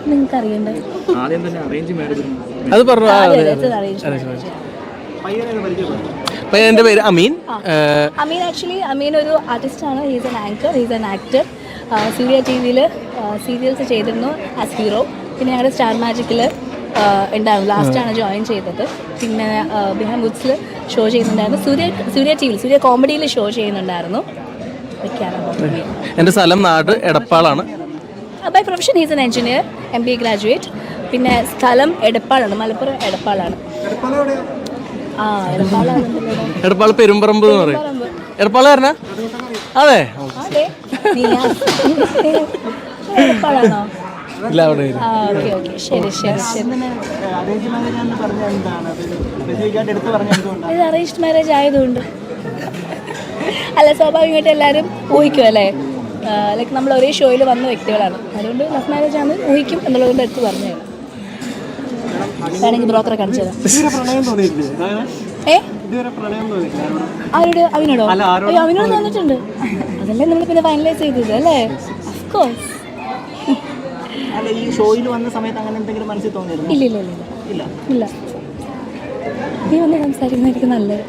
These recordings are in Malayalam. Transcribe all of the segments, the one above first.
അതൊക്കെ നിങ്ങൾക്ക് അറിയണ്ടേ? അത് പറഞ്ഞു. എൻ്റെ പേര് അമീൻ. അമീൻ ഒരു ആർട്ടിസ്റ്റാണ്. He's an anchor, he's an actor. Surya TV-യിൽ സീരിയൽസ് ചെയ്തിരുന്നു ആസ് ഹീറോ. പിന്നെ ഞങ്ങളുടെ സ്റ്റാർ മാജിക്കിൽ ഉണ്ടായിരുന്നു, ലാസ്റ്റാണ് ജോയിൻ ചെയ്തത്. പിന്നെ ബിഹാം വുഡ്സിൽ ഷോ ചെയ്യുന്നുണ്ടായിരുന്നു. സൂര്യ TV-യിൽ സൂര്യ കോമഡിയിൽ ഷോ ചെയ്യുന്നുണ്ടായിരുന്നു. എൻ്റെ സ്ഥലം നാട് എടപ്പാളാണ്. By profession he's an engineer, MBA graduate. പിന്നെ സ്ഥലം എടപ്പാളാണ്, മലപ്പുറം എടപ്പാളാണ്. എടപ്പാൾ പെരുമ്പറമ്പ് എന്ന് പറയും. എടപ്പാൾ പറഞ്ഞാ അതെ. എടപ്പാളാണോ? ഇല്ല, അവിടെ ശരി. ഇത് അറേഞ്ച്ഡ് മാരേജ് ആയതുകൊണ്ട് അല്ല, സ്വാഭാവികമായിട്ട് എല്ലാവരും ഊഹിക്കും അല്ലേ. ലൈക്ക് നമ്മൾ ഒരേ ഷോയിൽ വന്ന വ്യക്തികളാണ്, അതുകൊണ്ട് ലവ് മാരേജ് ആണ് ഊഹിക്കും എന്നുള്ളതുകൊണ്ട് എടുത്ത് പറഞ്ഞു. വേണമെങ്കിൽ ബ്രോക്കറെ കാണിച്ചു തരാം. ആരോട്? അവനോടോ? അയ്യോ, അവനോട് തോന്നിട്ടുണ്ട്. അതല്ലേ നമ്മൾ പിന്നെ ഫൈനലൈസ് ചെയ്തത് അല്ലേ? അഫ്കോഴ്സ്. ഇല്ല. നീ ഒന്ന് സംസാരിക്കുന്നതായിരിക്കും നല്ലത്.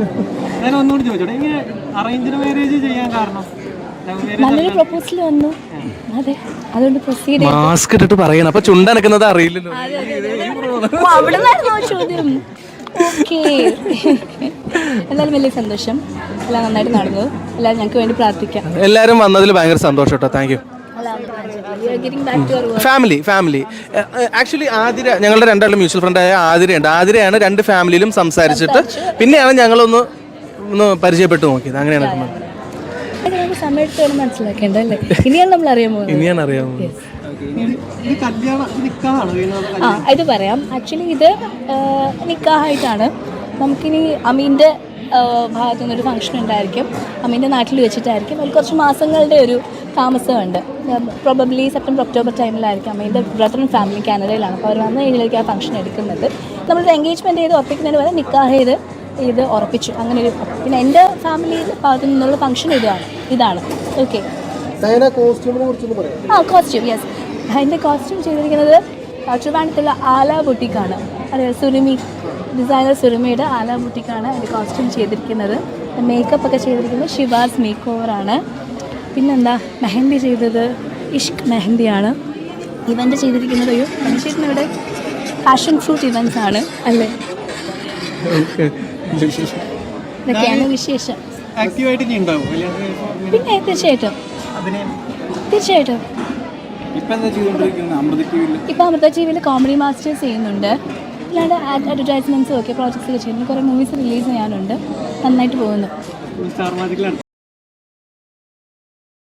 നല്ലൊരു പ്രൊപ്പോസൽ വന്നു, അതെ, അതുകൊണ്ട് പ്രൊസീഡ്. മാസ്ക് ഇട്ടിട്ട് പറയണം, അപ്പൊ ചുണ്ടനക്കുന്നത് അറിയില്ലല്ലോ. അവിടെ നിന്നായിരുന്നോ ചോദ്യം? ഓക്കെ. എന്തായാലും വലിയ സന്തോഷം, എല്ലാം നന്നായിട്ട് നടന്നു. എല്ലാവരും ഞങ്ങൾക്ക് വേണ്ടി പ്രാർത്ഥിക്കാം. എല്ലാവരും വന്നതിൽ ഭയങ്കര സന്തോഷം കേട്ടോ. Thank you. Family actually Athira, ഞങ്ങളുടെ രണ്ടാളും മ്യൂച്വൽ ഫ്രണ്ടായ ആതിരയുണ്ട്. ആതിരയാണ് രണ്ട് ഫാമിലിയിലും സംസാരിച്ചിട്ട് പിന്നെയാണ് ഞങ്ങളൊന്ന് പരിചയപ്പെട്ടു നോക്കിയത്. അങ്ങനെയാണ് സമയത്ത് മനസ്സിലാക്കേണ്ടല്ലേ. ഇനിയാണ് നമ്മൾ അറിയാമോ? ഇത് പറയാം. ആക്ച്വലി ഇത് നിക്കാഹായിട്ടാണ്. നമുക്കിനി അമീൻ്റെ ഭാഗത്തു നിന്നൊരു ഫംഗ്ഷൻ ഉണ്ടായിരിക്കും, അമീൻ്റെ നാട്ടിൽ വെച്ചിട്ടായിരിക്കും. അതിൽ കുറച്ച് മാസങ്ങളുടെ ഒരു താമസമുണ്ട്. പ്രോബബ്ലി സെപ്റ്റംബർ ഒക്ടോബർ ടൈമിലായിരിക്കും. അമീൻ്റെ ബ്രദർ ആൻഡ് ഫാമിലി കാനഡയിലാണ്. അപ്പോൾ അവർ വന്ന് കഴിഞ്ഞാൽ ആ ഫംഗ്ഷൻ എടുക്കുന്നത്. നമ്മളൊരു എൻഗേജ്മെൻറ്റ് ചെയ്ത് ഉറപ്പിക്കുന്നതിന് പകരം നിക്കാഹ് ഇത് ഉറപ്പിച്ചു. അങ്ങനെ ഒരു, പിന്നെ എൻ്റെ ഫാമിലി ഭാഗത്തു നിന്നുള്ള ഫംഗ്ഷൻ ഇതാണ്. ഓക്കെ. Costume, yes. അതിൻ്റെ കോസ്റ്റ്യൂം ചെയ്തിരിക്കുന്നത് ട്രിവാൻഡ്രത്തുള്ള ആല ബുട്ടിക്കാണ്. അറിയാം, സുരുമി ഡിസൈനർ സുരുമിയുടെ ആല ബുട്ടിക്കാണ് അതിൻ്റെ കോസ്റ്റ്യൂം ചെയ്തിരിക്കുന്നത്. മേക്കപ്പ് ഒക്കെ ചെയ്തിരിക്കുന്നത് ഷിവാസ് മേക്ക് ഓവറാണ്. പിന്നെന്താ, മെഹന്തി ചെയ്തത് ഇഷ്ക് മെഹന്തിയാണ്. ഇവൻ്റ് ചെയ്തിരിക്കുന്നത് മനുഷ്യരുടെ പാഷൻ ഫ്രൂട്ട് ഇവൻറ്റ്സ് ആണ് അല്ലേ. ഇതൊക്കെയാണ് വിശേഷം. പിന്നെ തീർച്ചയായിട്ടും ഇപ്പം അമൃത TV-യിൽ കോമഡി മാസ്റ്റേഴ്സ് ചെയ്യുന്നുണ്ട്. അല്ലാണ്ട് അഡ്വർടൈസ്മെൻറ്റ്സും ഒക്കെ പ്രോജക്ട്സ് ഒക്കെ ചെയ്യുന്നു. കുറേ മൂവീസ് റിലീസ് ചെയ്യാനുണ്ട്. നന്നായിട്ട് പോകുന്നു.